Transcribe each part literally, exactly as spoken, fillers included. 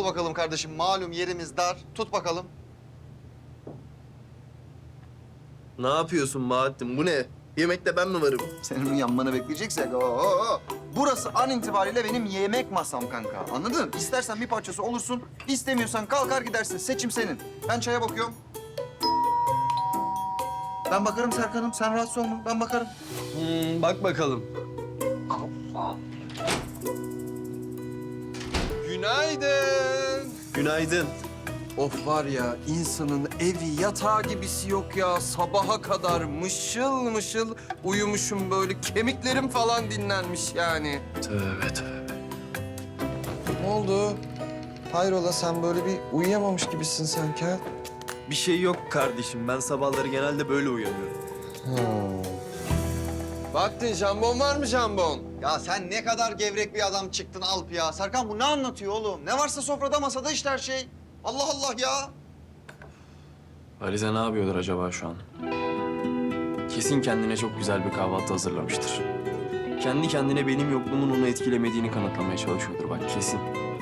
Al bakalım kardeşim. Malum yerimiz dar. Tut bakalım. Ne yapıyorsun Bahattin? Bu ne? Yemekte ben mi varım? Senin yanmanı bekleyeceksek. Oo. Burası an itibariyle benim yemek masam kanka. Anladın? İstersen bir parçası olursun. İstemiyorsan kalkar gidersin. Seçim senin. Ben çaya bakıyorum. Ben bakarım Serkan'ım. Sen rahatsız olma. Ben bakarım. Hmm, bak bakalım. Günaydın. Günaydın. Of var ya, insanın evi yatağı gibisi yok ya. Sabaha kadar mışıl mışıl uyumuşum böyle. Kemiklerim falan dinlenmiş yani. Tövbe tövbe. Ne oldu? Hayrola, sen böyle bir uyuyamamış gibisin sanki ha? Bir şey yok kardeşim. Ben sabahları genelde böyle uyanıyorum. Baktın, jambon var mı jambon? Ya sen ne kadar gevrek bir adam çıktın Alp ya. Serkan bu ne anlatıyor oğlum? Ne varsa sofrada masada işte her şey. Allah Allah ya. Alize ne yapıyordur acaba şu an? Kesin kendine çok güzel bir kahvaltı hazırlamıştır. Kendi kendine benim yokluğumun onu etkilemediğini kanıtlamaya çalışıyordur bak kesin.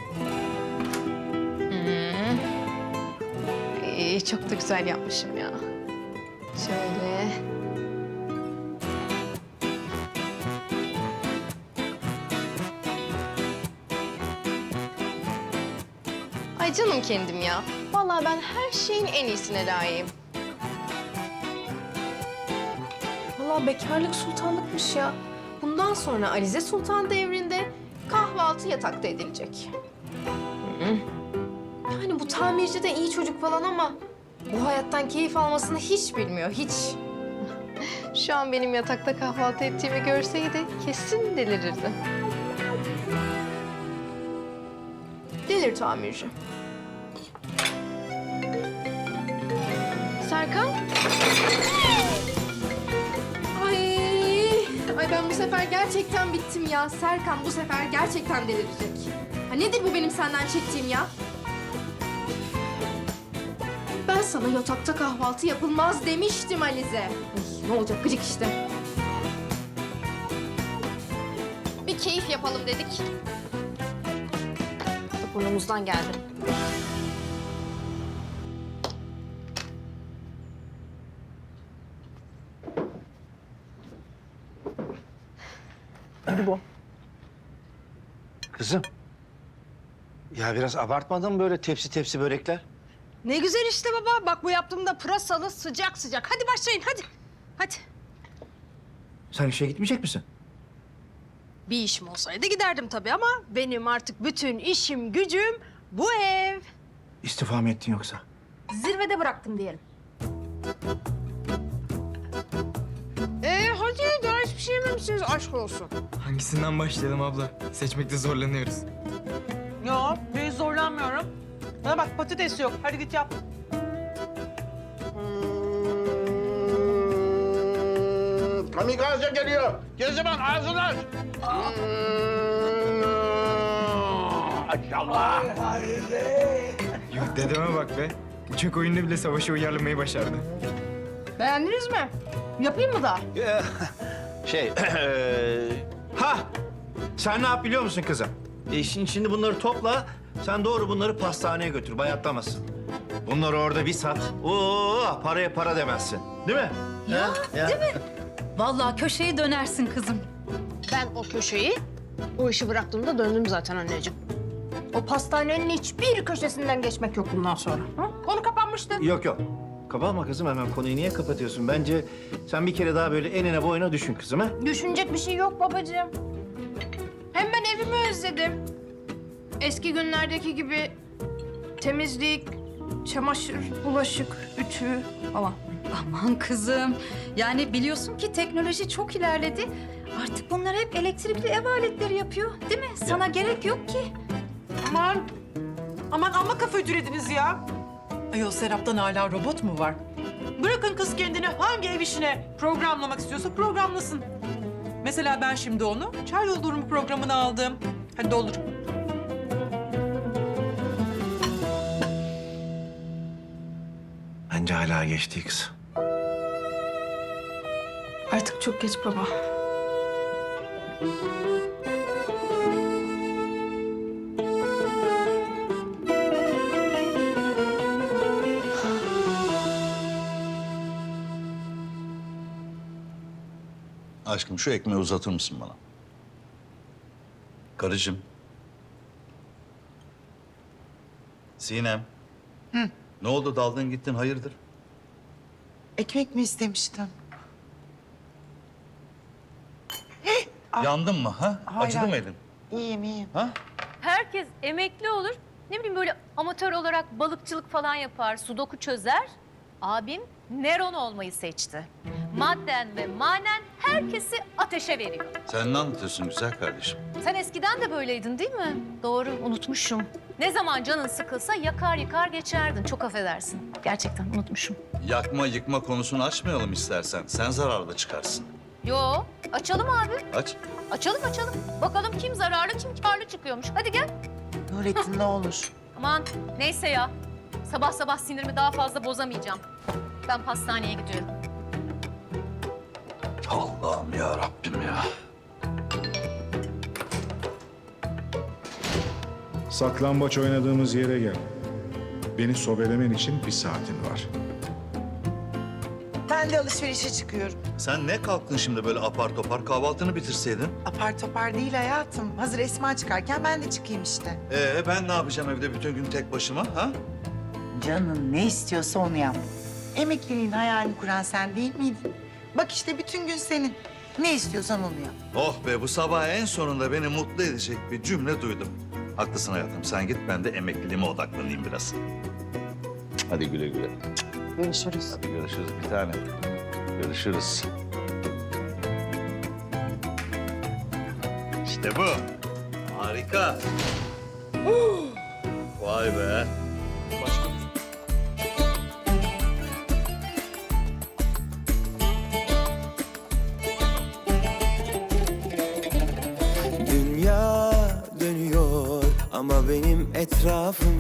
Hmm. Ee, çok da güzel yapmışım ya. Şöyle. Ay canım kendim ya. Vallahi ben her şeyin en iyisine layığım. Vallahi bekarlık sultanlıkmış ya. Bundan sonra Alize Sultan devrinde kahvaltı yatakta edilecek. Hı. Yani bu tamirci de iyi çocuk falan ama bu hayattan keyif almasını hiç bilmiyor, hiç. Şu an benim yatakta kahvaltı ettiğimi görseydi kesin delirirdi. Delir tamirci. Serkan? Ay, ay ben bu sefer gerçekten bittim ya. Serkan bu sefer gerçekten delirecek. Ha nedir bu benim senden çektiğim ya? Ben sana yatakta kahvaltı yapılmaz demiştim Alize. Ay, ne olacak gıcık işte. Bir keyif yapalım dedik. Burnumuzdan geldi. Bu. Kızım. Ya biraz abartmadın mı böyle tepsi tepsi börekler? Ne güzel işte baba. Bak bu yaptığımda pırasalı sıcak sıcak. Hadi başlayın hadi. Hadi. Sen işe gitmeyecek misin? Bir işim olsaydı giderdim tabii ama benim artık bütün işim gücüm bu ev. İstifa mı ettin yoksa? Zirvede bıraktım diyelim. Ee hadi daha hiçbir şey yememişsiniz aşk olsun. Hangisinden başlayalım abla? Seçmekte zorlanıyoruz. Yok, ben zorlanmıyorum. Bana bak patates yok. Hadi git yap. Kamikaze geliyor. Geziman ağzını aç. Maşallah. Yok dedeme bak be. Uçak oyununda bile savaşı uyarlamayı başardı. Beğendiniz mi? Yapayım mı daha? Şey, eee, ha! Sen ne yap biliyor musun kızım? E şimdi, şimdi bunları topla, sen doğru bunları pastaneye götür, bayatlamasın. Bunları orada bir sat, oo paraya para demezsin. Değil mi? Ya, Ha? değil mi? Vallahi köşeyi dönersin kızım. Ben o köşeyi o işi bıraktığımda döndüm zaten anneciğim. O pastanenin hiçbir köşesinden geçmek yok bundan sonra. Ha? Konu kapanmıştı. Yok yok. Kapatma kızım, hemen konuyu niye kapatıyorsun? Bence sen bir kere daha böyle enine boyuna düşün kızım ha. Düşünecek bir şey yok babacığım. Hem ben evimi özledim. Eski günlerdeki gibi temizlik, çamaşır, bulaşık, ütü falan. Aman kızım. Yani biliyorsun ki teknoloji çok ilerledi. Artık bunlar hep elektrikli ev aletleri yapıyor. Değil mi? Sana gerek yok ki. Aman, aman amma kafa ütülediniz ya. Ayol Serap'tan hala robot mu var? Bırakın kız kendini hangi ev işine programlamak istiyorsa programlasın. Mesela ben şimdi onu çay doldurumu programına aldım. Hadi doldur. Bence hala geçti kız. Artık çok geç baba. Aşkım şu ekmeği uzatır mısın bana? Karıcığım. Sinem. Hı. Ne oldu daldın gittin hayırdır? Ekmek mi istemiştin? Yandın mı ha? Hayır, Acıdı mı hayır. elin? İyiyim, iyiyim. Ha? Herkes emekli olur. Ne bileyim böyle amatör olarak balıkçılık falan yapar, sudoku çözer. Abim Neron olmayı seçti. Madden ve manen herkesi ateşe veriyor. Sen ne anlatıyorsun güzel kardeşim? Sen eskiden de böyleydin değil mi? Doğru, unutmuşum. Ne zaman canın sıkılsa yakar yıkar geçerdin. Çok affedersin. Gerçekten unutmuşum. Yakma yıkma konusunu açmayalım istersen. Sen zararda çıkarsın. Yo, açalım abi. Aç. Açalım açalım. Bakalım kim zararlı kim kârlı çıkıyormuş. Hadi gel. Nurettin ne olur. Aman neyse ya. Sabah sabah sinirimi daha fazla bozamayacağım. Ben pastaneye gidiyorum. Allah'ım ya Rabbim ya. Saklambaç oynadığımız yere gel. Beni sobelemen için bir saatin var. Ben de alışverişe çıkıyorum. Sen ne kalktın şimdi böyle apar topar kahvaltını bitirseydin? Apar topar değil hayatım. Hazır Esma çıkarken ben de çıkayım işte. Ee ben ne yapacağım evde bütün gün tek başıma ha? Canın ne istiyorsa onu yap. Emekliliğin hayalini kuran sen değil miydin? Bak işte bütün gün senin. Ne istiyorsan onu yap. Oh be bu sabah en sonunda beni mutlu edecek bir cümle duydum. Haklısın hayatım sen git ben de emekliliğime odaklanayım biraz. Hadi güle güle. Görüşürüz. Hadi görüşürüz bir tane. Görüşürüz. İşte bu. Harika. Vay be. Dünya dönüyor ama benim etrafım